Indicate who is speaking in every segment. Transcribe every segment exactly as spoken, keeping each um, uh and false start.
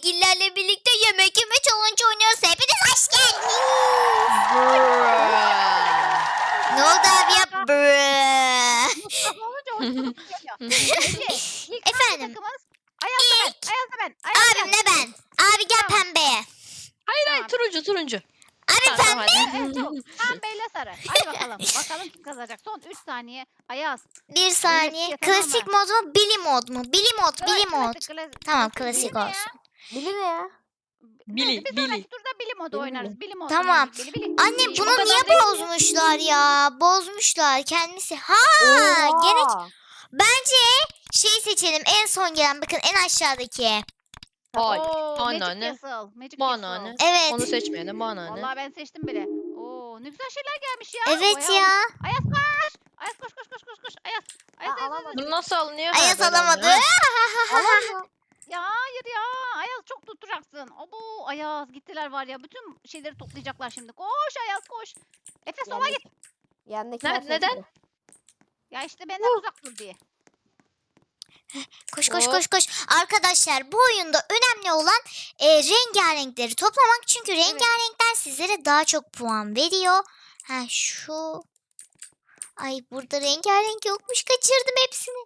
Speaker 1: Aygillerle birlikte yemek yeme challenge oynuyoruz. Hepiniz hoş geldiniz. Ne oldu abi ya? Brrr.
Speaker 2: Mustafa olunca hoşçakalın geliyor. Ece, ilk
Speaker 1: Efendim?
Speaker 2: takımız Ayaz da ben. Ayaz da ben. Ayaz
Speaker 1: Abim ne ben? Abi gel
Speaker 2: Tamam.
Speaker 1: pembeye.
Speaker 3: Hayır
Speaker 2: Tamam.
Speaker 3: hayır turuncu turuncu.
Speaker 1: Abi
Speaker 3: Tamam, tamam,
Speaker 1: pembe.
Speaker 3: hadi.
Speaker 2: Evet, çabuk. Pembeyle sarı. Hadi bakalım. Bakalım kim kazanacak. Son üç saniye. Ayaz.
Speaker 1: Bir saniye.
Speaker 2: Öyle bir şey,
Speaker 1: Klasik
Speaker 2: tamam
Speaker 1: mod mu? Bili mod mu? Bili mod, bili
Speaker 2: Klasik,
Speaker 1: mod.
Speaker 2: klasik.
Speaker 1: Tamam,
Speaker 2: Klasik.
Speaker 1: klasik
Speaker 2: Bili ne ya?
Speaker 1: olsun.
Speaker 4: Bili ne ya?
Speaker 3: Bili,
Speaker 2: Neyse, bir
Speaker 3: Bili.
Speaker 2: sonraki turda bilim modu
Speaker 4: Bili,
Speaker 2: oynarız. Bilim modu.
Speaker 1: Tamam.
Speaker 2: oynarız. Bili, bili.
Speaker 1: Anne
Speaker 2: Bili.
Speaker 1: bunu
Speaker 3: kadar
Speaker 1: niye
Speaker 3: değil mi?
Speaker 1: bozmuşlar ya? Bozmuşlar kendisi. Ha, gene
Speaker 4: Oha!
Speaker 1: bence şey seçelim. En son gelen bakın en aşağıdaki.
Speaker 3: Hayır.
Speaker 2: Oo, Magic
Speaker 3: Anneanne.
Speaker 2: Castle. Magic
Speaker 3: Bana
Speaker 2: Castle.
Speaker 3: ne?
Speaker 1: Evet.
Speaker 3: Onu seçmeyene bana ne?
Speaker 2: Vallahi ben seçtim bile. Oo, ne güzel şeyler gelmiş ya.
Speaker 1: Evet
Speaker 2: Bayağı
Speaker 1: ya.
Speaker 2: olmuş. Ayaz koş. Ayaz koş koş koş koş koş. Ayaz. Ayaz,
Speaker 4: Aa,
Speaker 2: Ayaz, Ayaz.
Speaker 4: alamadım.
Speaker 3: Bunu nasıl alınıyor?
Speaker 1: Ayaz
Speaker 3: Ha, böyle
Speaker 1: alamadı.
Speaker 3: alınıyor.
Speaker 4: Alamıyor.
Speaker 2: Ya hayır ya. Ayaz çok tutturacaksın. Abo Ayaz gittiler var ya. Bütün şeyleri toplayacaklar şimdi. Koş Ayaz koş. Efe sola git.
Speaker 4: Yandakiler
Speaker 3: Ne- neden?
Speaker 4: seçti.
Speaker 2: Ya işte benden uzak dur diye.
Speaker 1: Koş koş
Speaker 3: Hop.
Speaker 1: koş koş. Arkadaşlar bu oyunda önemli olan e, rengarenkleri toplamak. Çünkü rengarenkler sizlere daha çok puan veriyor. Ha şu. Ay burada rengarenk yokmuş. Kaçırdım hepsini.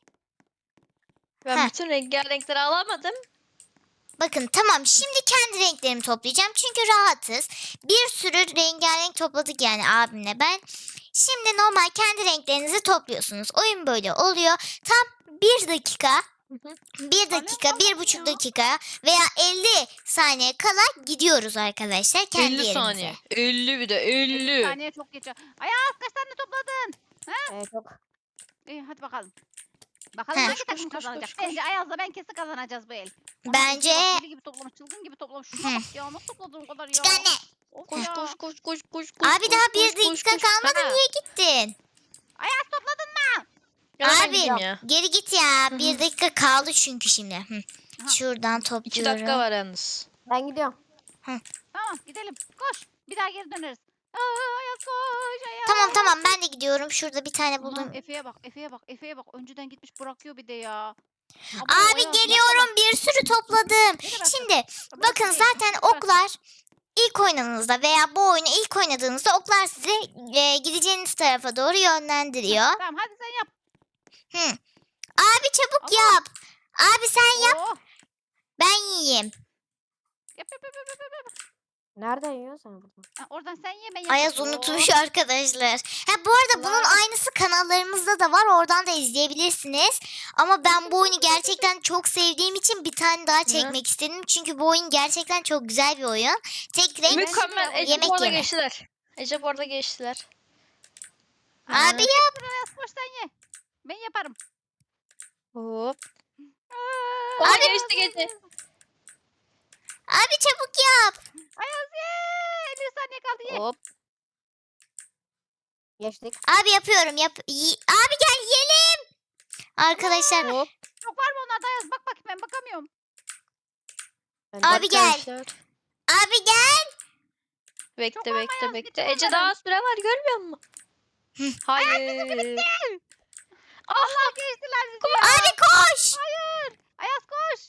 Speaker 3: Ben
Speaker 1: Heh.
Speaker 3: bütün rengarenkleri alamadım.
Speaker 1: Bakın tamam şimdi kendi renklerimi toplayacağım. Çünkü rahatız. Bir sürü rengarenk topladık yani abimle ben. Şimdi normal kendi renklerinizi topluyorsunuz. Oyun böyle oluyor. Tam bir dakika,
Speaker 3: hı.
Speaker 1: bir dakika,
Speaker 2: Annem
Speaker 1: bir buçuk
Speaker 2: ya.
Speaker 1: dakika veya elli saniye kala gidiyoruz arkadaşlar kendi
Speaker 3: elli
Speaker 1: yerimize.
Speaker 3: saniye. elli bir de
Speaker 2: elli
Speaker 3: elli.
Speaker 2: saniye çok geçiyor. Ayaz kaç tane topladın?
Speaker 4: Evet, çok.
Speaker 2: İyi hadi bakalım. Bakalım
Speaker 1: Heh.
Speaker 2: hangi
Speaker 3: Koş,
Speaker 2: takım
Speaker 3: koş, koş,
Speaker 2: kazanacak?
Speaker 3: koş, koş.
Speaker 2: Bence Ayaz'la ben kesin kazanacağız bu el. Ama
Speaker 1: Bence-
Speaker 2: Ece bak, deli gibi toplamış, çılgın gibi toplamış. Şuna
Speaker 1: Hı.
Speaker 2: bak ya nasıl topladın o kadar ya?
Speaker 1: Çık anne.
Speaker 2: Of
Speaker 3: Koş
Speaker 2: ya.
Speaker 3: koş koş koş koş koş.
Speaker 1: Abi daha
Speaker 3: koş,
Speaker 1: bir
Speaker 3: koş,
Speaker 1: dakika
Speaker 3: koş.
Speaker 1: kalmadı
Speaker 3: Ha.
Speaker 1: niye gittin?
Speaker 2: Ayaz topladın mı?
Speaker 3: Ya ben
Speaker 1: Abi
Speaker 3: gideyim ya.
Speaker 1: geri git ya.
Speaker 3: Hı
Speaker 1: Bir
Speaker 3: hı.
Speaker 1: dakika kaldı çünkü şimdi. Hı.
Speaker 2: Aha.
Speaker 1: Şuradan
Speaker 3: İki
Speaker 1: topluyorum.
Speaker 3: dakika var yalnız.
Speaker 4: Ben gidiyorum.
Speaker 2: Tamam gidelim. Koş. Bir daha geri döneriz. Aa, Ayaz koş Ayaz.
Speaker 1: Tamam tamam ben de gidiyorum. Şurada bir tane buldum.
Speaker 2: Aman Efe'ye bak Efe'ye bak Efe'ye bak. Önceden gitmiş bırakıyor bir de ya. Abo,
Speaker 1: Abi
Speaker 2: Ayaz,
Speaker 1: geliyorum bir sürü topladım.
Speaker 2: Ne kadar
Speaker 1: Şimdi
Speaker 2: çok-
Speaker 1: bakın
Speaker 2: Bırak değil,
Speaker 1: zaten
Speaker 2: bırak.
Speaker 1: oklar ilk oynadığınızda veya bu oyunu ilk oynadığınızda oklar sizi e, gideceğiniz tarafa doğru yönlendiriyor.
Speaker 2: Tamam hadi sen yap.
Speaker 1: Hı. Abi çabuk
Speaker 2: Ama-
Speaker 1: yap. Abi sen yap
Speaker 2: Oo.
Speaker 1: ben yiyeyim.
Speaker 2: Yap yap yap yap yap. yap.
Speaker 4: Nereden yiyorsun sen buradan?
Speaker 2: Ha, oradan sen ye ben
Speaker 1: Ayaz
Speaker 2: yapayım.
Speaker 1: unutmuş
Speaker 2: Oo.
Speaker 1: arkadaşlar. Ha bu arada bunun
Speaker 2: Allah.
Speaker 1: aynısı kanallarımızda da var. Oradan da izleyebilirsiniz. Ama ben bu oyunu gerçekten çok sevdiğim için bir tane daha çekmek istedim. Çünkü bu oyun gerçekten çok güzel bir oyun. Tek renk
Speaker 3: Mükemmel. Ece
Speaker 1: yemek
Speaker 3: bu arada
Speaker 1: yeme.
Speaker 3: geçtiler. Ece bu arada geçtiler.
Speaker 1: Abi yap.
Speaker 2: Ayaz koş sen ye. Ben yaparım.
Speaker 3: Hop.
Speaker 2: Aa,
Speaker 3: Aa,
Speaker 1: Abi-
Speaker 3: geçti geçti.
Speaker 1: Abi çabuk yap.
Speaker 2: Ayaz ye. elli saniye kaldı ye.
Speaker 3: Hop.
Speaker 4: Geçtik.
Speaker 1: Abi yapıyorum. Yap. Yi- Abi gel yiyelim. Arkadaşlar
Speaker 3: Hop.
Speaker 2: Çok var mı onlarda Ayaz? Bak bakayım ben bakamıyorum.
Speaker 4: Ben
Speaker 1: Abi
Speaker 4: de-
Speaker 1: gel.
Speaker 3: Arkadaşlar.
Speaker 1: abi gel.
Speaker 3: Bekle
Speaker 2: Çok var
Speaker 3: bekle
Speaker 2: Ayaz,
Speaker 3: bekle.
Speaker 2: geçin
Speaker 3: Ece
Speaker 2: onları.
Speaker 3: daha süre var görmüyor musun? Hayır.
Speaker 2: Allah geçtiler bizi ya.
Speaker 1: Abi koş.
Speaker 2: Hayır. Ayaz koş.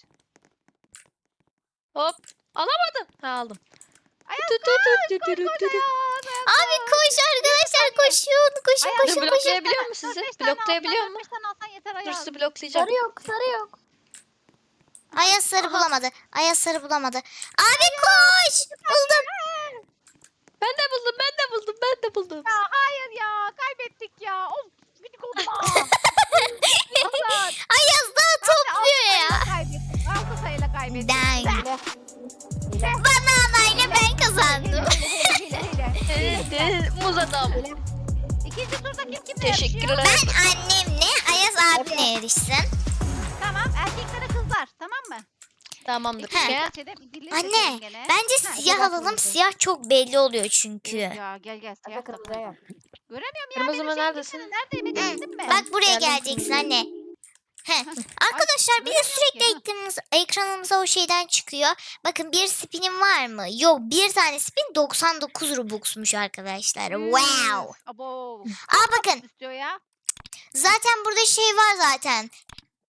Speaker 3: Hop. Alamadım. Ha aldım.
Speaker 2: Ayaz
Speaker 3: Tü tü tü tü tü tü tü.
Speaker 2: Ayaz. Ayaz
Speaker 1: Abi koş arkadaşlar koşun. Koşun
Speaker 2: Ayaz,
Speaker 1: koşun
Speaker 3: Dur
Speaker 1: koşun.
Speaker 3: bloklayabiliyor mu
Speaker 2: Dört,
Speaker 3: sizi?
Speaker 2: beş tane
Speaker 3: Bloklayabiliyor
Speaker 2: alsan,
Speaker 3: mu?
Speaker 2: dört, beş tane alsan yeter
Speaker 3: Dur
Speaker 2: Ayaz.
Speaker 3: sizi bloklayacağım.
Speaker 4: Sarı yok, sarı yok.
Speaker 1: Ayaz sarı
Speaker 3: Aha.
Speaker 1: bulamadı. Ayaz sarı bulamadı. Abi koş. Buldum.
Speaker 3: Ben de buldum ben de buldum ben de buldum.
Speaker 2: Ya hayır ya kaybettik ya. Of gıcık oldum ha. Allah.
Speaker 1: Ayaz daha topluyor ya.
Speaker 2: Kaybettik. Altı sayıyla kaybettik.
Speaker 1: Ben.
Speaker 4: Hile. Hile.
Speaker 1: Bana anayla ben kazandım.
Speaker 2: Hile, hile, hile.
Speaker 3: Evet, evet, muz adam.
Speaker 4: Hile.
Speaker 2: İkinci turda kim kimle
Speaker 3: Teşekkür
Speaker 2: yarışıyor?
Speaker 3: ederim.
Speaker 1: Ben annemle Ayaz abimle yarışsın.
Speaker 2: Tamam erkeklere kızlar tamam mı?
Speaker 3: Tamamdır.
Speaker 1: He.
Speaker 3: Gel.
Speaker 2: Seçelim, birliği
Speaker 1: Anne
Speaker 2: seçelim gene.
Speaker 1: bence
Speaker 2: Ha,
Speaker 1: siyah
Speaker 4: biraz
Speaker 1: alalım.
Speaker 4: kırmızı.
Speaker 1: Siyah çok belli oluyor çünkü.
Speaker 2: Ya gel gel
Speaker 4: Efe
Speaker 2: siyah
Speaker 4: kırmızıya
Speaker 2: kapı.
Speaker 4: gel.
Speaker 2: Göremiyorum ya
Speaker 3: Kırmızı
Speaker 2: benim
Speaker 3: mı,
Speaker 2: şeyim
Speaker 3: neredesin?
Speaker 2: gitsene. Neredeyim Ece gittin mi?
Speaker 1: Bak buraya
Speaker 3: Geldim.
Speaker 1: geleceksin anne. He.
Speaker 2: Ay,
Speaker 1: Arkadaşlar bir de
Speaker 2: göremiyorum
Speaker 1: sürekli
Speaker 2: ki, ha.
Speaker 1: ekranımız, ekranımıza o şeyden çıkıyor. Bakın bir spinim var mı? Yok bir tane spin doksan dokuz Robux'muş arkadaşlar. Wow.
Speaker 2: Abo.
Speaker 1: Aa bakın
Speaker 2: İstiyor ya.
Speaker 1: zaten burada şey var zaten.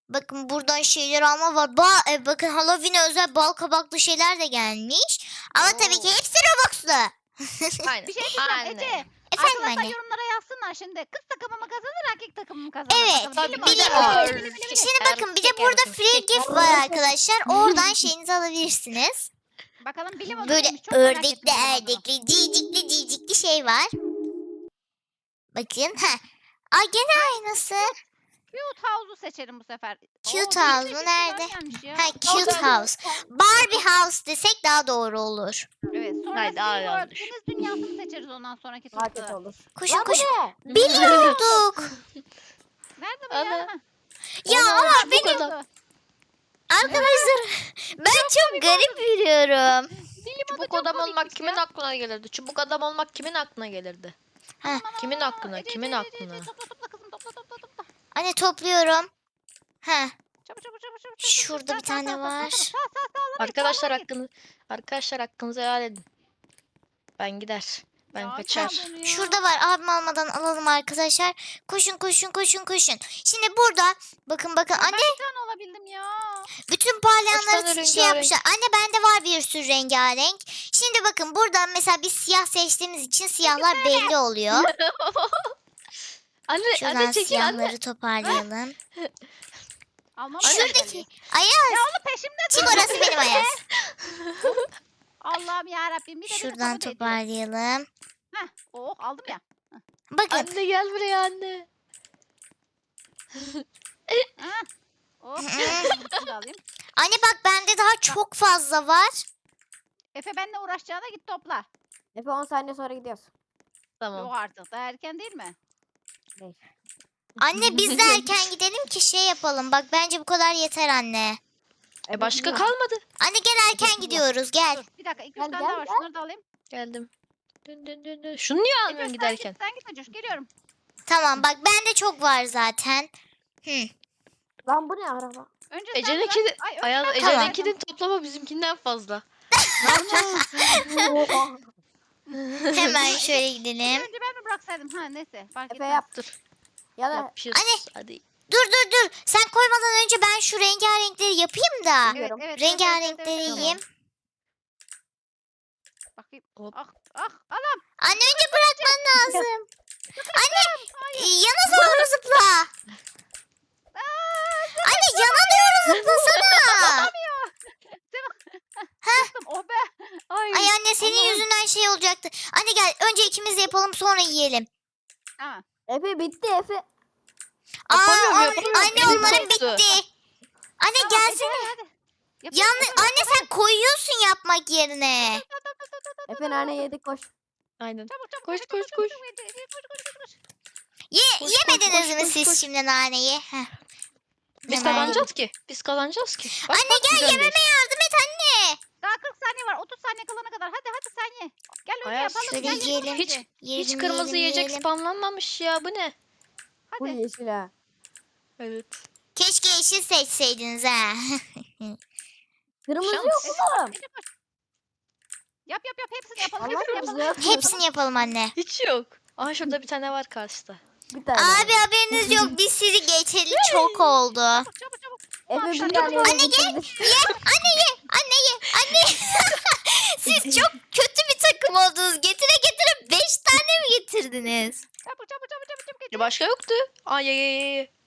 Speaker 1: Bakın buradan şeyler alma var. Ba e, bakın Halloween'e özel bal kabaklı şeyler de gelmiş. Ama tabii ki
Speaker 2: Oo.
Speaker 1: hepsi Robux'lu.
Speaker 3: Aynen.
Speaker 2: Bir şey diyeceğim
Speaker 3: Aynen.
Speaker 2: Ece.
Speaker 1: Efendim
Speaker 2: Arkadaşlar
Speaker 1: anne.
Speaker 2: yorumlara yazsınlar şimdi. Kız takımı mı kazanır, erkek takımı mı kazanır?
Speaker 1: Evet,
Speaker 2: Bakalım.
Speaker 1: tabii,
Speaker 2: Bilim
Speaker 1: bilim
Speaker 2: o.
Speaker 1: o.
Speaker 2: Bili, bili, bili, bili.
Speaker 1: Şimdi bakın bir de
Speaker 3: Erkek,
Speaker 1: burada
Speaker 3: erkek.
Speaker 1: free gift var arkadaşlar. Oradan şeyinizi alabilirsiniz.
Speaker 2: Bakalım bilim o
Speaker 1: Böyle
Speaker 2: neymiş? Çok merak
Speaker 1: ördekli,
Speaker 2: ettim bilim odunu.
Speaker 1: erdekli, cicikli, cicikli şey var. Bakın. Heh. Aa gene aynısı.
Speaker 2: Cute House'u seçelim bu sefer.
Speaker 1: Cute
Speaker 2: Oo, değişik
Speaker 1: House'u
Speaker 2: değişik
Speaker 1: nerede?
Speaker 2: şeyler gelmiş ya.
Speaker 1: Ha cute house. Barbie house desek daha doğru olur.
Speaker 2: Evet. Sonra
Speaker 3: Haydi, daha
Speaker 2: SeaWorld,
Speaker 3: yanlış.
Speaker 2: deniz dünyasını seçeriz ondan sonraki
Speaker 4: Daha kötü
Speaker 2: turda.
Speaker 4: olur.
Speaker 1: Koşun
Speaker 4: Lan bu
Speaker 1: koşun.
Speaker 4: ne?
Speaker 1: Bilim olduk.
Speaker 2: Nerede bu
Speaker 3: Ana.
Speaker 2: ya? Ha,
Speaker 1: Ya
Speaker 3: Ana,
Speaker 1: ama
Speaker 3: bu
Speaker 1: benim
Speaker 3: kadar.
Speaker 1: arkadaşlar ben çok garip yürüyorum.
Speaker 2: Bilim o da
Speaker 3: Çubuk
Speaker 2: çok
Speaker 3: adam olmak
Speaker 2: komikmiş
Speaker 3: kimin
Speaker 2: ya.
Speaker 3: aklına gelirdi? Çubuk adam olmak kimin aklına gelirdi?
Speaker 1: Ha.
Speaker 2: Aman, aman,
Speaker 3: Kimin
Speaker 2: aman,
Speaker 3: aklına,
Speaker 2: Ece,
Speaker 3: kimin
Speaker 2: Ece, Ece,
Speaker 3: aklına?
Speaker 2: Ece, Topla topla kızım, topla topla topla.
Speaker 1: Anne topluyorum. Ha.
Speaker 2: Çabuk çabuk çabuk çabuk.
Speaker 1: Şurada
Speaker 2: Sağ,
Speaker 1: bir
Speaker 2: sağ,
Speaker 1: tane
Speaker 2: sağ, sağ,
Speaker 1: var.
Speaker 2: Sağ sağ sağ sağ.
Speaker 3: Arkadaşlar hakkını arkadaşlar hakkınızı helal edin. Ben gider. Ben kaçar.
Speaker 1: Şurada var. Abim almadan alalım arkadaşlar. Koşun koşun koşun koşun. Şimdi burada bakın bakın
Speaker 2: Ben
Speaker 1: anne
Speaker 2: bir tane olabildim ya.
Speaker 1: bütün
Speaker 3: tane
Speaker 1: parlayanları şey
Speaker 3: rengarenk?
Speaker 1: yapmışlar. Anne bende var bir sürü rengarenk. Şimdi bakın burada mesela biz siyah seçtiğimiz için siyahlar belli oluyor.
Speaker 3: Anne,
Speaker 1: Şuradan
Speaker 3: anne çekil anne.
Speaker 1: siyahları toparlayalım.
Speaker 2: Almam
Speaker 3: Anne.
Speaker 2: lazım.
Speaker 1: Şuradaki Ayaz.
Speaker 2: Ya oğlum peşimde
Speaker 1: Kim
Speaker 2: dur.
Speaker 1: orası benim Ayaz.
Speaker 2: Allah'ım yarabbim. Bir de bir de
Speaker 1: Şuradan
Speaker 2: kabul ediyor.
Speaker 1: toparlayalım.
Speaker 2: Heh. Oh aldım ya.
Speaker 1: Bakın
Speaker 3: Anne gel buraya anne.
Speaker 2: Heh. Oh. Bunu da alayım.
Speaker 1: anne bak bende daha çok fazla var.
Speaker 2: Efe benimle uğraşacağına git topla.
Speaker 4: Efe on saniye sonra gidiyoruz.
Speaker 3: Tamam.
Speaker 2: Yok artık. Daha erken değil mi?
Speaker 4: Değil.
Speaker 1: Anne biz de erken gidelim ki şey yapalım. Bak bence bu kadar yeter anne.
Speaker 3: E başka kalmadı.
Speaker 1: Anne gel erken gidiyoruz gel.
Speaker 2: Dur bir dakika. iki üç
Speaker 4: Gel,
Speaker 2: tane
Speaker 4: gel,
Speaker 2: daha var.
Speaker 4: gel.
Speaker 2: Şunları da alayım.
Speaker 3: Geldim. Dön dön dön dön. Şunu niye
Speaker 2: Efe,
Speaker 3: almıyorsun
Speaker 2: sen
Speaker 3: giderken?
Speaker 2: Git, sen git Acoş. Geliyorum.
Speaker 1: Tamam bak bende çok var zaten. Hı.
Speaker 4: Lan bu ne araba?
Speaker 2: Önce sen
Speaker 3: Ece'ninki de
Speaker 2: bırak. Ay, önce
Speaker 3: Ayaz
Speaker 2: ben
Speaker 1: Tamam.
Speaker 3: Ece'ninkinin toplama bizimkinden fazla.
Speaker 4: Oha.
Speaker 1: Hemen şöyle gidelim.
Speaker 2: Önce ben mi bıraksaydım? Ha neyse. Fark
Speaker 4: Efe
Speaker 2: etmez.
Speaker 4: yap.
Speaker 3: Dur.
Speaker 4: Ya da
Speaker 3: Yapışıyoruz.
Speaker 1: Anne.
Speaker 3: Hadi.
Speaker 1: Dur dur dur. Sen koymadan önce ben şu rengarenkleri yapayım da.
Speaker 2: Evet,
Speaker 4: Biliyorum.
Speaker 2: evet, evet,
Speaker 1: Rengarenkleri
Speaker 2: evet, evet, evet.
Speaker 1: yiyeyim.
Speaker 2: Bakayım.
Speaker 3: Hop.
Speaker 2: Ah ah anam.
Speaker 1: Anne önce bırakman lazım. Anne e, yana doğru zıpla. Anne yana doğru zıplasana.
Speaker 2: Kızım oh be. Ay.
Speaker 1: Ay anne senin
Speaker 2: Allah'ım.
Speaker 1: yüzünden şey olacaktı. Anne gel önce ikimiz de yapalım sonra yiyelim.
Speaker 2: Tamam.
Speaker 4: Efe bitti Efe.
Speaker 1: Aa,
Speaker 3: Yapamıyorum,
Speaker 1: on-
Speaker 3: yapamıyorum.
Speaker 1: anne
Speaker 3: Elim
Speaker 1: onların
Speaker 3: koptu.
Speaker 1: bitti. Anne
Speaker 2: Tamam,
Speaker 1: gelsene.
Speaker 2: Ece, hadi. Yapıyorum,
Speaker 1: Yanlış
Speaker 2: yapıyorum.
Speaker 1: anne sen koyuyorsun yapmak yerine.
Speaker 4: Efe nane yedik koş.
Speaker 3: Aynen.
Speaker 2: Çabuk çabuk.
Speaker 3: Koş,
Speaker 2: çabuk,
Speaker 3: koş,
Speaker 2: çabuk,
Speaker 3: koş.
Speaker 2: çabuk, Ece, Ece, koş koş koş koş.
Speaker 1: Ye,
Speaker 3: Koş,
Speaker 1: yemediniz
Speaker 3: koş,
Speaker 1: mi
Speaker 3: koş,
Speaker 1: siz
Speaker 3: koş.
Speaker 1: şimdi naneyi? Heh.
Speaker 3: Biz
Speaker 1: Hemen
Speaker 3: kazanacağız ki. Biz kazanacağız ki. Bak,
Speaker 1: Anne
Speaker 3: bak,
Speaker 1: gel
Speaker 3: biz öndeyiz.
Speaker 1: yememe yardım et anne.
Speaker 2: Daha kırk saniye var. otuz saniye kalana kadar. Hadi hadi sen ye. Gel önce
Speaker 3: Ayaz,
Speaker 2: yapalım.
Speaker 1: şöyle
Speaker 2: Gel, gel,
Speaker 1: yiyelim.
Speaker 2: önce.
Speaker 3: Hiç
Speaker 1: Yiyelim,
Speaker 3: hiç kırmızı
Speaker 1: yiyelim,
Speaker 3: yiyecek
Speaker 1: yiyelim.
Speaker 3: spamlanmamış ya. Bu ne?
Speaker 4: Bu
Speaker 2: Hadi.
Speaker 4: yeşil ha.
Speaker 3: Evet.
Speaker 1: Keşke yeşil seçseydiniz ha.
Speaker 4: Kırmızı
Speaker 3: Şans.
Speaker 4: yok oğlum.
Speaker 2: Ece koş. Yap yap yap. Hepsini yapalım.
Speaker 4: Allah
Speaker 2: Hepsini
Speaker 4: kırmızı
Speaker 2: yapalım.
Speaker 4: yok.
Speaker 1: Hepsini yapalım anne.
Speaker 3: Hiç yok. Aa şurada bir tane var karşıda.
Speaker 4: Bir tane.
Speaker 1: Abi haberiniz yok biz sizi geçeli çok oldu.
Speaker 2: Çabuk çabuk çabuk.
Speaker 4: Efe
Speaker 3: şunu
Speaker 4: bir tane
Speaker 3: yapalım.
Speaker 1: Anne gel.
Speaker 4: bitirdi.
Speaker 1: Ye anne ye anne ye anne. Siz çok kötü bir takım oldunuz. Getire getire beş tane mi getirdiniz?
Speaker 2: Çabuk çabuk çabuk çabuk çabuk.
Speaker 3: Ya başka yoktu. Aa ye ye ye, ye.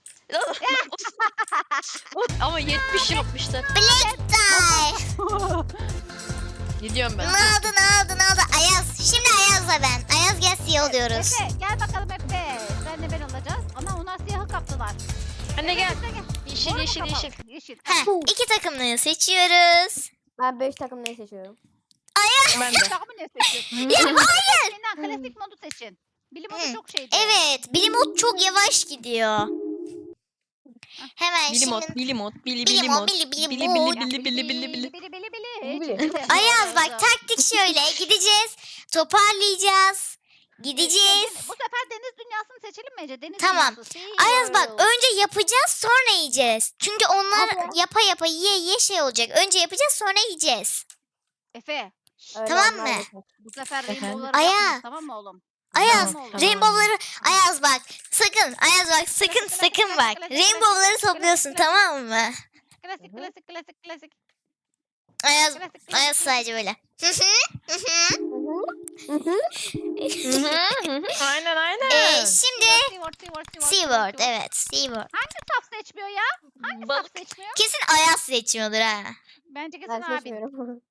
Speaker 3: Ama yetmiş yapmışlar.
Speaker 1: Black tie.
Speaker 3: Gidiyorum
Speaker 1: Ne
Speaker 3: ben.
Speaker 1: oldu ne oldu ne oldu? Ayaz. Şimdi Ayaz'la ben. Ayaz gel siyah oluyoruz.
Speaker 2: Efe gel bakalım Efe. Senle ben olacağız. Ama onlar siyahı kaptılar.
Speaker 3: Anne gel.
Speaker 2: Sen gel.
Speaker 3: Yeşil
Speaker 2: Moru mu
Speaker 3: yeşil
Speaker 2: kapalım?
Speaker 3: yeşil.
Speaker 2: Yeşil.
Speaker 1: Heh, iki takımlıyı seçiyoruz.
Speaker 4: Ben beş takım ne seçiyorum?
Speaker 3: Ben de.
Speaker 2: Takımı ne seçiyorsun?
Speaker 1: Ya hayır.
Speaker 2: Senin klasik modu seçin. Bilim modu
Speaker 1: Hı,
Speaker 2: çok şeydi.
Speaker 1: Evet. Bilimot çok yavaş gidiyor. Hemen
Speaker 3: Bilimot,
Speaker 1: şimdi.
Speaker 3: bilimot, bili
Speaker 1: Bilimot,
Speaker 3: bilimot.
Speaker 1: bili,
Speaker 3: Bili
Speaker 1: bilimot.
Speaker 3: bili bili bili bili.
Speaker 2: Bili bili bili.
Speaker 4: Bili.
Speaker 2: Çıktı.
Speaker 1: Ayaz bak taktik şöyle. Gideceğiz. Toparlayacağız. Gideceğiz.
Speaker 2: Bu sefer deniz dünyasını seçelim mi Ece? Deniz
Speaker 1: Tamam.
Speaker 2: dünyası. Sea
Speaker 1: Ayaz bak
Speaker 2: World.
Speaker 1: önce yapacağız sonra yiyeceğiz. Çünkü onlar
Speaker 4: Hadi.
Speaker 1: yapa yapa yiye yiye şey olacak. Önce yapacağız sonra yiyeceğiz.
Speaker 2: Efe.
Speaker 4: Öyle
Speaker 1: Tamam
Speaker 4: olmaz
Speaker 1: mı?
Speaker 4: Efe.
Speaker 2: Bu sefer
Speaker 3: Efendim?
Speaker 2: rainbow'ları
Speaker 1: Aya.
Speaker 2: yapmayız, tamam mı oğlum?
Speaker 1: Ayaz,
Speaker 2: Tamam, oldu.
Speaker 1: rainbow'ları Ayaz bak. Sakın Ayaz bak sakın
Speaker 2: Klasik,
Speaker 1: sakın
Speaker 2: klasik,
Speaker 1: bak.
Speaker 2: klasik,
Speaker 1: Rainbow'ları
Speaker 2: klasik,
Speaker 1: topluyorsun
Speaker 2: klasik.
Speaker 1: tamam mı?
Speaker 2: Klasik
Speaker 4: Hı hı.
Speaker 2: klasik klasik klasik.
Speaker 1: Ayaz
Speaker 2: Klasik klasik.
Speaker 1: Ayaz
Speaker 2: klasik.
Speaker 1: sadece böyle. Hı hı, hı hı.
Speaker 4: Hı hı.
Speaker 3: Hı hı, hı hı. Aynen aynen.
Speaker 1: Ee, şimdi
Speaker 2: Seaward, Seaward, Seaward,
Speaker 1: Seaward evet Seaward.
Speaker 2: Hangi saf seçmiyor ya? Hangi
Speaker 3: Balık.
Speaker 2: saf seçmiyor?
Speaker 1: Kesin Ayaz seçiyordur ha.
Speaker 2: Bence kesin
Speaker 4: Ben
Speaker 2: abin.
Speaker 4: seçmiyorum.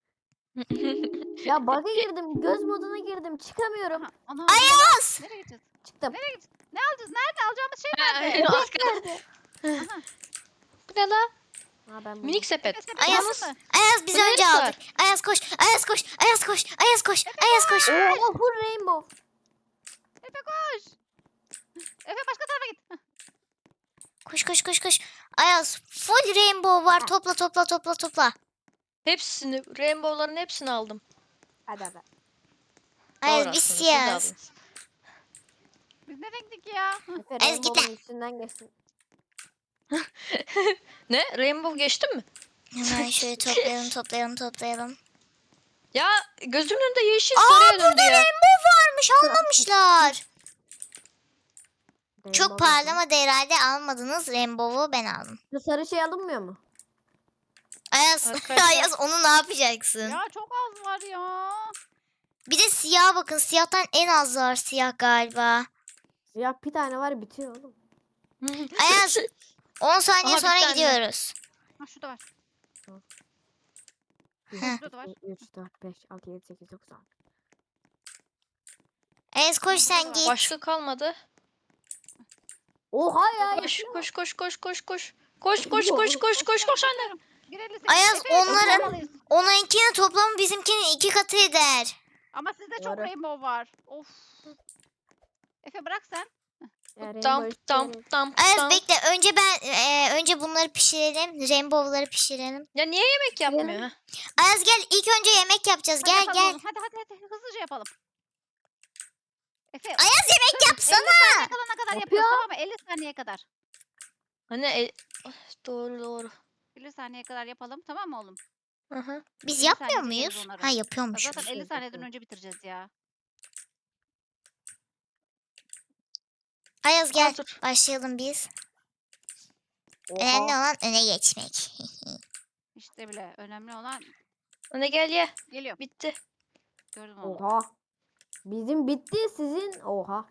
Speaker 4: Ya bug'a girdim. Göz moduna girdim. Çıkamıyorum.
Speaker 2: Aha, ana,
Speaker 1: Ayaz!
Speaker 2: Nereye gideceğiz?
Speaker 4: Çıktım.
Speaker 2: Nereye gideceğiz? Ne alacağız? Nerede alacağımız şey
Speaker 3: Ha,
Speaker 2: nerede?
Speaker 3: az kaldı.
Speaker 2: Aha.
Speaker 3: Bu ne la?
Speaker 4: Ha ben buldum.
Speaker 3: Minik sepet.
Speaker 2: Efe, sepet
Speaker 1: Ayaz-
Speaker 2: aldın mı?
Speaker 1: Ayaz biz
Speaker 3: Burada
Speaker 1: önce
Speaker 3: Elis
Speaker 1: aldık. Ayaz koş Ayaz koş Ayaz koş Ayaz koş Ayaz koş.
Speaker 4: Oha full rainbow.
Speaker 2: Efe koş. Efe başka tarafa git. Hah,
Speaker 1: Koş koş koş koş. Ayaz full rainbow var. Topla topla topla topla.
Speaker 3: Hepsini, rainbow'ların hepsini aldım.
Speaker 4: Hadi hadi.
Speaker 1: Ayaz
Speaker 3: Doğru
Speaker 1: biz
Speaker 3: aslında, siz de
Speaker 1: siyahız.
Speaker 3: aldınız.
Speaker 2: Biz ne renktik ya? Hah,
Speaker 4: Efe
Speaker 1: Ez git
Speaker 4: rainbow'un üstünden geçsin.
Speaker 3: Ne? Rainbow geçtin mi?
Speaker 1: Hemen şöyle toplayalım toplayalım toplayalım.
Speaker 3: Ya gözümün önünde yeşil
Speaker 1: Aa
Speaker 3: sarıya döndü
Speaker 1: burada
Speaker 3: ya.
Speaker 1: rainbow varmış almamışlar. Çok
Speaker 4: Rainbow nasıl?
Speaker 1: parlamadı herhalde almadınız. Rainbow'u ben aldım.
Speaker 4: Bu sarı şey alınmıyor mu?
Speaker 1: Ayaz,
Speaker 3: Arkadaşlar-
Speaker 1: Ayaz onu ne yapacaksın?
Speaker 2: Ya çok az var ya.
Speaker 1: Bir de siyah bakın. Siyahtan en az var siyah galiba.
Speaker 4: Ya bir tane var bitiyor oğlum.
Speaker 1: Ayaz on saniye
Speaker 3: Aha, bir
Speaker 1: sonra
Speaker 3: tane.
Speaker 1: gidiyoruz.
Speaker 2: Ha şurada var.
Speaker 1: Heh.
Speaker 2: Şurada var.
Speaker 4: üç, dört, beş, altı, yedi, sekiz, dokuz, on.
Speaker 1: Ayaz koş sen git.
Speaker 3: Başka kalmadı.
Speaker 4: Oha ya.
Speaker 3: Koş
Speaker 4: yapıyor.
Speaker 3: koş koş koş koş koş. Koş koş koş koş koş koş anne.
Speaker 2: Girelim.
Speaker 1: Ayaz,
Speaker 2: Efe,
Speaker 1: onların-
Speaker 2: toplamalıyız.
Speaker 1: Onunkinin toplamı bizimkinin iki katı eder.
Speaker 2: Ama sizde çok
Speaker 4: Doğru.
Speaker 2: rainbow var. Of. Efe bırak sen.
Speaker 4: Ya rainbow
Speaker 3: Tam tam
Speaker 4: istiyorum.
Speaker 3: tam
Speaker 1: Ayaz
Speaker 3: tam.
Speaker 1: bekle önce ben e, önce bunları pişirelim. Rainbow'ları pişirelim.
Speaker 3: Ya niye yemek yapmıyor? ha?
Speaker 1: Ayaz gel ilk önce yemek yapacağız.
Speaker 2: Hadi
Speaker 1: Gel
Speaker 2: yapalım
Speaker 1: gel.
Speaker 2: oğlum. Hadi hadi hadi hızlıca yapalım. Efe
Speaker 1: Ayaz yemek
Speaker 2: elli
Speaker 1: yapsana.
Speaker 2: saniye kalana kadar
Speaker 4: Yapıyor.
Speaker 2: yapıyoruz tamam mı? elli saniye kadar.
Speaker 3: Hani e- Ah, doğru doğru.
Speaker 2: elli saniye kadar yapalım tamam mı oğlum?
Speaker 3: Aha.
Speaker 1: Biz
Speaker 2: elli
Speaker 1: yapmıyor
Speaker 2: saniyede yeriz
Speaker 1: muyuz?
Speaker 2: onları.
Speaker 1: Ha
Speaker 2: Ya
Speaker 1: yapıyormuşuz.
Speaker 2: zaten elli
Speaker 4: Yapıyoruz,
Speaker 2: saniyeden
Speaker 4: yapıyoruz.
Speaker 2: önce bitireceğiz ya.
Speaker 1: Ayaz gel.
Speaker 3: Aa, dur.
Speaker 1: Başlayalım biz. Önemli
Speaker 4: Oha.
Speaker 1: olan öne geçmek.
Speaker 2: İşte bile önemli olan
Speaker 3: Anne gel ye.
Speaker 2: geliyor.
Speaker 3: Bitti.
Speaker 2: Gördüm onu.
Speaker 4: Oha. Bizim bitti sizin. Oha.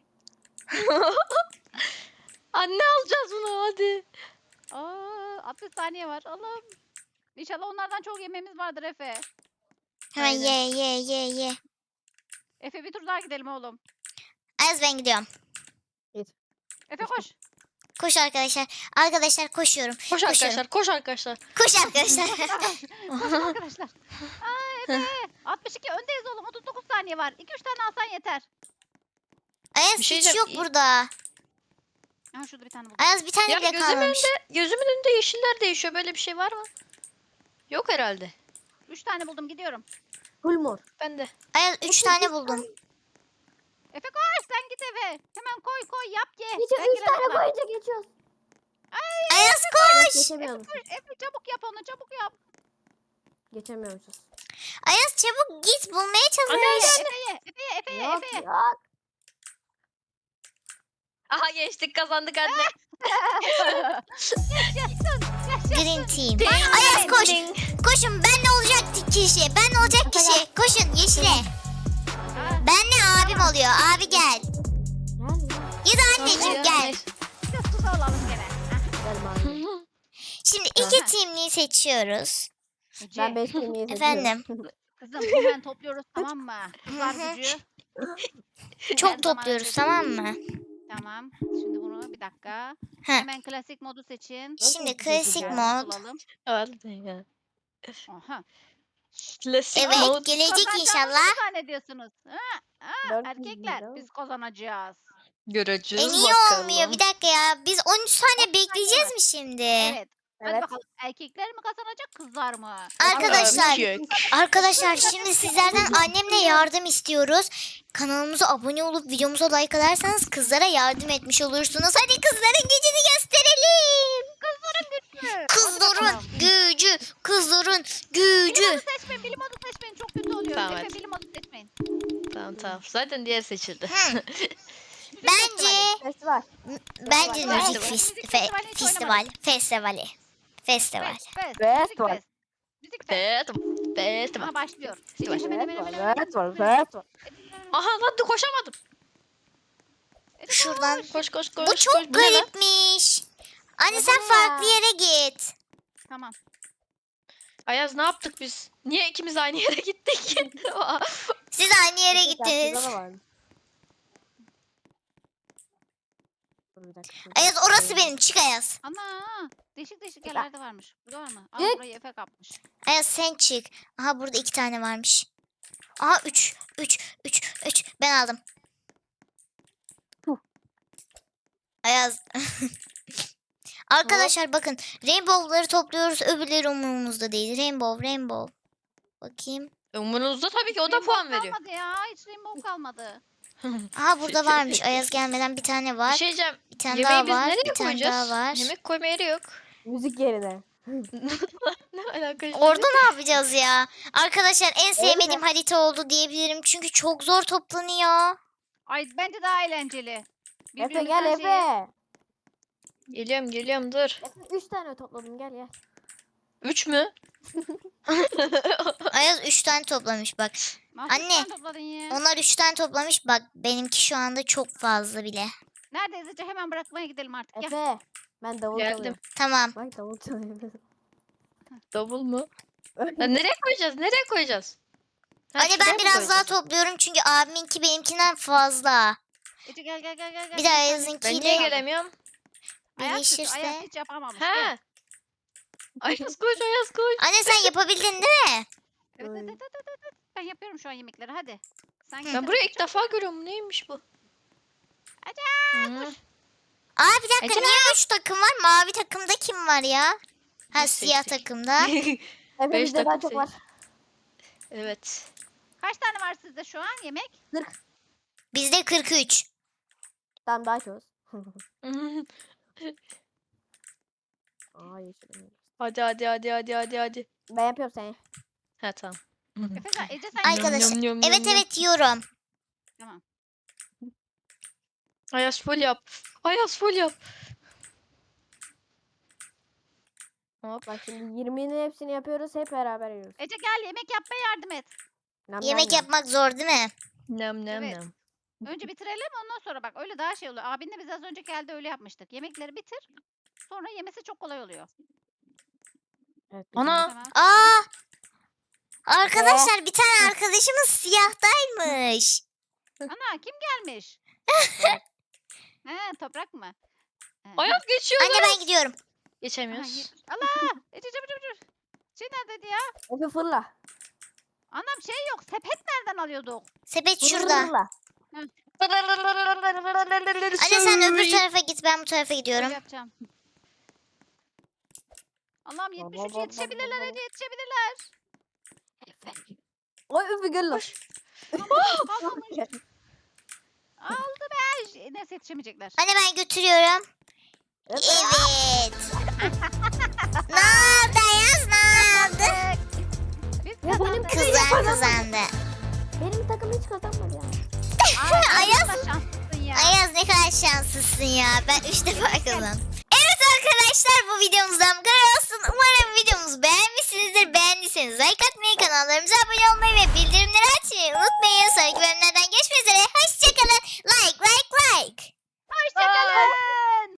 Speaker 3: Anne alacağız bunu hadi.
Speaker 2: Aa, altmış saniye var. Allah'ım. İnşallah onlardan çok yemeğimiz vardır Efe.
Speaker 1: Hemen
Speaker 3: Aynen.
Speaker 1: ye ye ye ye.
Speaker 2: Efe bir tur daha gidelim oğlum.
Speaker 1: Ayaz ben gidiyorum.
Speaker 2: Efe koş.
Speaker 1: Koş arkadaşlar. Arkadaşlar koşuyorum.
Speaker 3: Koş arkadaşlar koş arkadaşlar.
Speaker 1: Koş arkadaşlar.
Speaker 2: Koşun arkadaşlar. Aa Efe. altmış iki öndeyiz oğlum. otuz dokuz saniye var. iki üç tane alsan yeter.
Speaker 1: Ayaz
Speaker 3: Bir şey
Speaker 1: hiç
Speaker 3: diyeceğim,
Speaker 1: yok
Speaker 3: iyi-
Speaker 1: burada.
Speaker 2: Aha şurada bir tane buldum.
Speaker 1: Ayaz bir tane
Speaker 3: Ya
Speaker 1: bile
Speaker 3: gözümün
Speaker 1: kalmamış.
Speaker 3: önünde, gözümün önünde yeşiller değişiyor. Böyle bir şey var mı? Yok herhalde.
Speaker 2: üç tane buldum gidiyorum.
Speaker 4: Full mor.
Speaker 3: Ben de.
Speaker 1: Ayaz üç tane buldum.
Speaker 2: Efe koş sen git eve. Hemen koy koy yap ye.
Speaker 4: Hiç
Speaker 2: Ben
Speaker 4: üç
Speaker 2: girene
Speaker 4: tane
Speaker 2: kadar.
Speaker 4: boyunca geçiyoruz.
Speaker 1: Ayaz koş.
Speaker 4: Geçemiyormuşuz.
Speaker 2: Efe çabuk yap onu çabuk yap.
Speaker 4: Geçemiyormuşuz.
Speaker 1: Ayaz çabuk git bulmaya
Speaker 3: Anne
Speaker 1: çalış.
Speaker 2: Efe ye Efe ye Efe ye
Speaker 4: Yok
Speaker 2: Efe ye.
Speaker 4: yok.
Speaker 3: Aha geçtik kazandık anne.
Speaker 2: Yaşasın yaşasın.
Speaker 1: Green team. Ayaz koş. Koşun ben ne olacak kişi? Ben ne olacak kişi? Koşun yeşile.
Speaker 2: Aa,
Speaker 1: Ben ne abim oluyor. Abi gel.
Speaker 4: Gel ya.
Speaker 1: Ya da anneciğim gel.
Speaker 2: bir de su alalım gene. Hah,
Speaker 4: Gel bari.
Speaker 1: Şimdi iki teamliği seçiyoruz.
Speaker 2: Ece,
Speaker 4: Ben beş kemiği
Speaker 1: Efendim?
Speaker 2: kızım hemen topluyoruz tamam mı? Kızlar
Speaker 1: Hı hı.
Speaker 2: gücü.
Speaker 1: Çok
Speaker 2: Her
Speaker 1: topluyoruz
Speaker 2: zaman
Speaker 1: tamam mı?
Speaker 2: Tamam. Şimdi bunu bir dakika.
Speaker 1: Heh.
Speaker 2: Hemen klasik modu seçin.
Speaker 1: Şimdi klasik
Speaker 4: Güzel.
Speaker 1: mod.
Speaker 2: Bulalım.
Speaker 3: Hadi ya.
Speaker 2: Aha.
Speaker 3: Klasik
Speaker 1: Evet
Speaker 3: mode.
Speaker 1: gelecek
Speaker 2: Kazanacağımızı
Speaker 1: inşallah.
Speaker 2: mı zannediyorsunuz? Ha? Ha,
Speaker 4: Dört yüz
Speaker 2: erkekler
Speaker 4: lira.
Speaker 2: biz kazanacağız.
Speaker 3: Göreceğiz
Speaker 1: E niye
Speaker 3: bakalım.
Speaker 1: olmuyor? Bir dakika ya. Biz on üç tane bekleyeceğiz mi şimdi?
Speaker 2: Evet. Hadi
Speaker 4: Evet.
Speaker 2: bakalım erkekler mi kazanacak kızlar mı?
Speaker 1: Arkadaşlar,
Speaker 3: Erkek.
Speaker 1: arkadaşlar şimdi sizlerden annemle yardım istiyoruz. Kanalımıza abone olup videomuza like atarsanız kızlara yardım etmiş olursunuz. Hadi kızların gücünü gösterelim.
Speaker 2: Kızların gücü.
Speaker 1: Kızların
Speaker 2: Hadi bakalım.
Speaker 1: gücü, kızların
Speaker 2: Bilim
Speaker 1: gücü.
Speaker 2: modu seçmeyin, bilim modu seçmeyin. Çok kötü oluyor.
Speaker 3: Tamam,
Speaker 2: Efe
Speaker 3: hadi.
Speaker 2: bilim modu seçmeyin.
Speaker 3: Tamam Tamam tamam. Zaten diğer seçildi.
Speaker 1: Hı. Bence
Speaker 4: Festival.
Speaker 1: bence
Speaker 4: Festival.
Speaker 1: müzik
Speaker 2: Müzik
Speaker 1: fes-
Speaker 2: festivali
Speaker 1: fe-
Speaker 2: hiç
Speaker 1: festival
Speaker 2: oynamadım.
Speaker 1: festivali festival.
Speaker 2: Fest, fest,
Speaker 4: Fest
Speaker 2: müzik
Speaker 4: var.
Speaker 2: fest. Müzik fest.
Speaker 3: Evet. Evet.
Speaker 2: Aha başlıyor.
Speaker 3: Festival.
Speaker 2: Hemen hemen
Speaker 4: Festival.
Speaker 2: hemen hemen.
Speaker 4: Festival.
Speaker 2: hemen.
Speaker 4: Festival.
Speaker 3: Aha lan dur koşamadım.
Speaker 2: Ece
Speaker 1: Şuradan.
Speaker 2: koş.
Speaker 3: Koş koş koş.
Speaker 1: Bu çok
Speaker 3: koş. Bu ne lan?
Speaker 1: garipmiş. Anne
Speaker 4: Ya bu
Speaker 1: sen
Speaker 4: ne
Speaker 1: farklı
Speaker 4: ya?
Speaker 1: yere git.
Speaker 2: Tamam.
Speaker 3: Ayaz ne yaptık biz? Niye ikimiz aynı yere gittik?
Speaker 1: Siz aynı yere
Speaker 4: Festival.
Speaker 1: gittiniz.
Speaker 4: Şurada da var. Dur bir dakika, dur.
Speaker 1: Ayaz orası benim. Çık Ayaz.
Speaker 2: Ana. Değişik değişik
Speaker 4: Ya.
Speaker 2: yerlerde varmış. Burada var mı? Aa
Speaker 4: Git.
Speaker 2: burayı Efe kapmış.
Speaker 1: Ayaz sen çık. Aha burada iki tane varmış. Aha üç. Üç. Üç. Üç. Ben aldım.
Speaker 4: Huh.
Speaker 1: Ayaz. Arkadaşlar bakın. Rainbow'ları topluyoruz. Öbürleri umurumuzda değil. Rainbow. Rainbow. Bakayım.
Speaker 3: Umurunuzda tabii ki o da
Speaker 2: Rainbow
Speaker 3: puan veriyor.
Speaker 2: kalmadı ya. Hiç rainbow kalmadı.
Speaker 1: Aha burada varmış. Ayaz gelmeden bir tane
Speaker 3: Bir
Speaker 1: var.
Speaker 3: şey diyeceğim.
Speaker 1: Bir tane
Speaker 3: Yemeği
Speaker 1: daha
Speaker 3: biz
Speaker 1: var.
Speaker 3: nereye
Speaker 1: Bir tane
Speaker 3: koyacağız?
Speaker 1: daha var.
Speaker 3: Yemek koyma yeri yok.
Speaker 4: Müzik yerine.
Speaker 3: Ne alaka şimdi?
Speaker 1: Orada ne yapacağız ya? Arkadaşlar en sevmediğim harita oldu diyebilirim. Çünkü çok zor toplanıyor.
Speaker 2: Ay bence daha eğlenceli.
Speaker 4: Efe
Speaker 2: Birbirimizden
Speaker 4: gel
Speaker 2: şeyi-
Speaker 4: Efe.
Speaker 3: Geliyorum geliyorum dur.
Speaker 4: Efe üç tane topladım gel gel.
Speaker 3: Üç mü?
Speaker 1: Ayaz üç tane toplamış bak.
Speaker 2: Nasıl
Speaker 1: Anne,
Speaker 2: sen topladın ya?
Speaker 1: Onlar üç tane toplamış. Bak benimki şu anda çok fazla bile.
Speaker 2: Neredeyiz Ece? Hemen bırakmaya gidelim artık. Gel.
Speaker 4: Efe. Ben davul
Speaker 3: Geldim.
Speaker 4: çalıyorum.
Speaker 1: Tamam.
Speaker 4: Bak davul çalıyorum.
Speaker 3: Davul mu? Ya nereye koyacağız? Nereye koyacağız? Ha,
Speaker 1: Anne
Speaker 3: şuraya
Speaker 1: ben
Speaker 3: mı
Speaker 1: biraz daha
Speaker 3: koyacağız?
Speaker 1: topluyorum çünkü abiminki benimkinden fazla.
Speaker 2: Ece gel gel gel gel. gel.
Speaker 1: Bir de
Speaker 2: tane-
Speaker 3: Ben niye
Speaker 1: Ayaz'ınkiyle
Speaker 3: gelemiyorum?
Speaker 2: Ayaz hiç,
Speaker 1: birleşirse.
Speaker 2: Ayaz hiç yapamamış. Gel.
Speaker 3: He. Ayaz koş Ayaz koş.
Speaker 1: Anne sen yapabildin değil mi?
Speaker 2: Evet,
Speaker 4: Ay.
Speaker 2: evet, evet, evet, evet. Ben yapıyorum şu an yemekleri hadi. Sen
Speaker 1: Hı.
Speaker 3: Ben burayı ilk defa görüyorum. Neymiş bu? Hı.
Speaker 1: Aa bir dakika
Speaker 3: Ece-
Speaker 1: niye üç takım var? Mavi takımda kim var ya? Ha
Speaker 3: Biz
Speaker 1: siyah
Speaker 3: seçtik.
Speaker 1: takımda.
Speaker 4: Efe
Speaker 3: Beş
Speaker 4: bizde daha
Speaker 3: takım
Speaker 4: çok var.
Speaker 3: Evet.
Speaker 2: Kaç tane var sizde şu an yemek?
Speaker 1: Bizde kırk üç.
Speaker 4: Tamam daha çok. Aa yeşil.
Speaker 3: hadi hadi hadi hadi hadi hadi.
Speaker 4: Ben yapıyorum seni.
Speaker 3: Ha tamam.
Speaker 2: Efe sen, Ece sen
Speaker 1: Arkadaşlar,
Speaker 3: Yum, yum, yum,
Speaker 1: Evet
Speaker 3: yum.
Speaker 1: evet yiyorum.
Speaker 2: Tamam.
Speaker 3: Ayaz full yap. Ayaz full yap. Hop.
Speaker 4: Bak şimdi yirminin hepsini yapıyoruz hep beraber yiyoruz.
Speaker 2: Ece gel yemek yapmaya yardım et.
Speaker 4: Nam
Speaker 1: Yemek
Speaker 4: nam nam.
Speaker 1: yapmak zor değil mi?
Speaker 3: Nem nem
Speaker 2: Evet.
Speaker 3: nem.
Speaker 2: Önce bitirelim ondan sonra bak öyle daha şey oluyor. Abinle biz az önce geldi öyle yapmıştık. Yemekleri bitir. Sonra yemesi çok kolay oluyor.
Speaker 4: Evet,
Speaker 3: Ana.
Speaker 2: Tamam.
Speaker 1: Aa! Arkadaşlar bir tane arkadaşımız siyahtaymış.
Speaker 2: Ana kim gelmiş? He toprak mı? He.
Speaker 3: Ayaz geçiyor.
Speaker 1: Anne ben gidiyorum.
Speaker 2: Aha,
Speaker 3: Geçemiyoruz.
Speaker 2: ye- Allah! Ece çabuk çabuk çabuk. Şey neredeydi ya?
Speaker 4: Efe fırla.
Speaker 2: Anam şey yok. Sepet nereden alıyorduk?
Speaker 1: Sepet
Speaker 4: Fırla,
Speaker 1: şurada.
Speaker 4: fırla.
Speaker 1: Anne sen öbür tarafa git ben bu tarafa
Speaker 2: Öyle
Speaker 1: gidiyorum.
Speaker 2: yapacağım. Allah'ım yetmiş üç
Speaker 4: baba,
Speaker 2: yetişebilirler
Speaker 4: baba.
Speaker 2: Ece yetişebilirler.
Speaker 4: Oy Efe gel lan.
Speaker 2: Almamış. Aldı be. Ş- Neyse yetişemeyecekler.
Speaker 1: Anne ben götürüyorum.
Speaker 4: Efe.
Speaker 1: Evet. Ne oldu Ayaz ne oldu?
Speaker 2: Biz
Speaker 4: Ya benim
Speaker 2: kazandık.
Speaker 4: kızım-
Speaker 1: Kızan kazandı.
Speaker 4: Benim takım hiç kazanmadı ya.
Speaker 2: Ay,
Speaker 1: Ayaz-
Speaker 2: ne kadar şanslısın ya.
Speaker 1: Ayaz ne kadar şanslısın ya. Ben üç defa kazandım. Evet arkadaşlar bu videomuzdan bu kadar olsun. Umarım videomuzu beğenmişsinizdir. Beğendiyseniz like atmayı, kanallarımıza abone olmayı ve bildirimleri açmayı unutmayın. Sonraki bölümlerde